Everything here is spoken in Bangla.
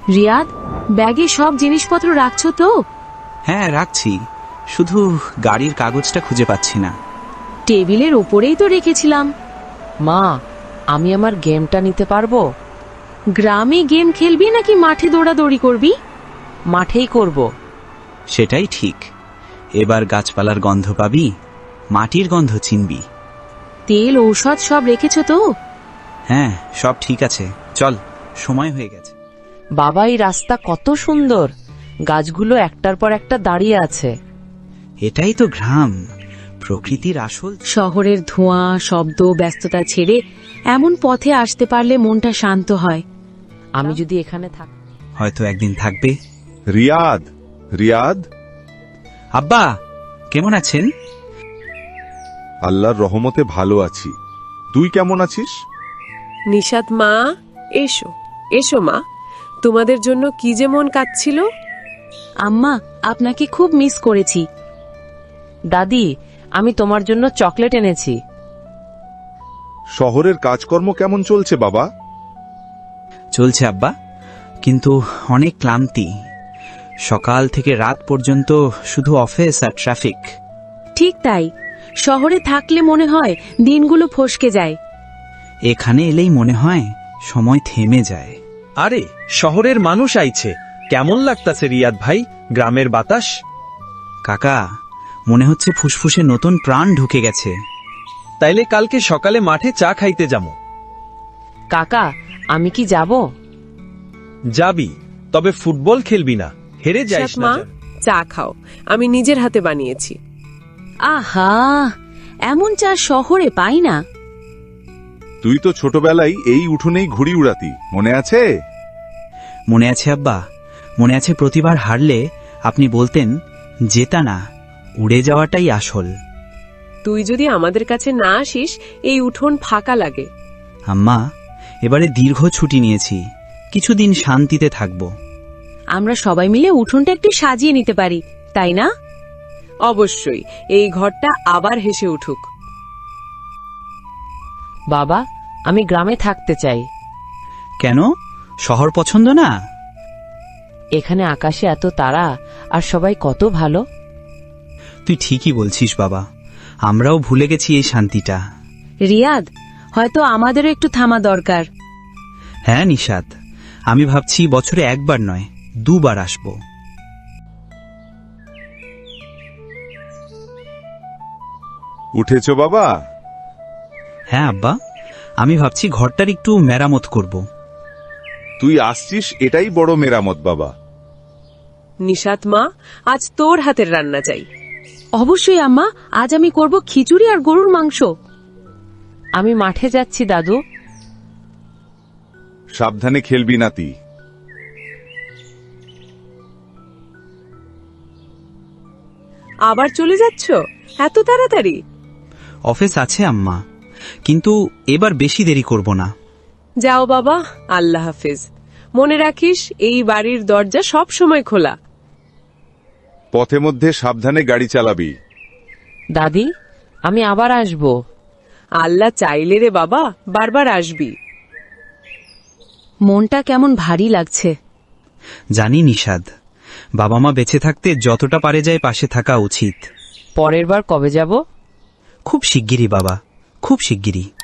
রিয়াদ, ব্যাগে সব জিনিসপত্র রাখছো তো? হ্যাঁ রাখছি, শুধু গাড়ির কাগজটা খুঁজে পাচ্ছি না। টেবিলের ওপরেই তো রেখেছিলাম। মা, আমি আমার গেমটা নিতে পারবো? গ্রামে গেম খেলবি নাকি মাঠে দৌড়াদৌড়ি করবি? মাঠেই করব। সেটাই ঠিক। এবার গাছপালার গন্ধ পাবি, মাটির গন্ধ চিনবি। তেল ঔষধ সব রেখেছো তো? হ্যাঁ, সব ঠিক আছে, চল, সময় হয়ে গেছে। বাবা, এই রাস্তা কত সুন্দর, গাছগুলো একটার পর একটা দাঁড়িয়ে আছে। এটাই তো গ্রাম, প্রকৃতির আসল। শহরের ধোঁয়া, শব্দ, ব্যস্ততা ছেড়ে এমন পথে আসতে পারলে মনটা শান্ত হয়। আমি যদি এখানে থাকি। হয়তো একদিন থাকবে। রিয়াদ, রিয়াদ, আব্বা কেমন আছেন? আল্লাহর রহমতে ভালো আছি। তুই কেমন আছিস? নিশাত মা, এসো এসো মা, তোমাদের জন্য কি যে মন কাঁদছিল। আম্মা, আপনাকে খুব মিস করেছি। দাদি, আমি তোমার জন্য চকলেট এনেছি। শহরের কাজকর্ম কেমন চলছে বাবা? চলছে আব্বা, কিন্তু অনেক ক্লান্তি। সকাল থেকে রাত পর্যন্ত শুধু অফিস আর ট্রাফিক। ঠিক তাই, শহরে থাকলে মনে হয় দিনগুলো ফসকে যায়। এখানে এলেই মনে হয় সময় থেমে যায়। আরে, শহরের মানুষ আইছে, কেমন লাগতাছে রিয়াদ ভাই গ্রামের বাতাস? কাকা, মনে হচ্ছে ফুসফুসে নতুন প্রাণ ঢুকে গেছে। তাইলে কালকে সকালে মাঠে চা খাইতে যাবো। কাকা, আমি কি যাব? যাবি, তবে ফুটবল খেলবি না, হেরে যাইস নিশাত না মা, যেন। চা খাও, আমি নিজের হাতে বানিয়েছি। আহা, এমন চা শহরে পাই না। তুই তো ছোটবেলায় এই উঠোনেই ঘুড়ি উড়াতি, মনে আছে? মনে আছে আব্বা, মনে আছে প্রতিবার হারলে আপনি বলতেন, জেতা না, উড়ে যাওয়াটাই আসল। তুই যদি আমাদের কাছে না আসিস, এই উঠোন ফাঁকা লাগে। আম্মা, এবারে দীর্ঘ ছুটি নিয়েছি, কিছুদিন শান্তিতে থাকব। আমরা সবাই মিলে উঠোনটা একটু সাজিয়ে নিতে পারি, তাই না? অবশ্যই, এই ঘরটা আবার হেসে উঠুক। বাবা, আমি গ্রামে থাকতে চাই। কেন, শহর পছন্দ না? এখানে আকাশে এত তারা, আর সবাই কত ভালো। তুই ঠিকই বলছিস বাবা, আমরাও ভুলে গেছি এই শান্তিটা। রিয়াদ, হয়তো আমাদেরও একটু থামা দরকার। হ্যাঁ নিশাত, আমি ভাবছি বছরে একবার নয়, দুবার আসব। উঠেছ বাবা? হ্যাঁ আব্বা, আমি ভাবছি ঘরটার একটু মেরামত করব। তুই আসছিস এটাই বড় মেরামত বাবা। নিশাত মা, আজ তোর হাতের রান্না চাই। অবশ্যই আম্মা, আজ আমি করব খিচুড়ি আর গরুর মাংস। আমি মাঠে যাচ্ছি দাদু। সাবধানে খেলবি নাতি। আবার চলে যাচ্ছ এত তাড়াতাড়ি? অফিস আছে আম্মা, কিন্তু এবার বেশি দেরি করব না। যাও বাবা, আল্লাহ হাফেজ। মনে রাখিস, এই বাড়ির দরজা সব সময় খোলা। পথে মধ্যে সাবধানে গাড়ি চালাবি। দাদি, আমি আবার আসব। আল্লাহ চাইলে রে বাবা, বারবার আসবি। মনটা কেমন ভারী লাগছে। জানি নিশাদ, বাবা মা বেঁচে থাকতে যতটা পারে যায় পাশে থাকা উচিত। পরের বার কবে যাব? খুব শিগগিরই বাবা, খুব শিগগিরই।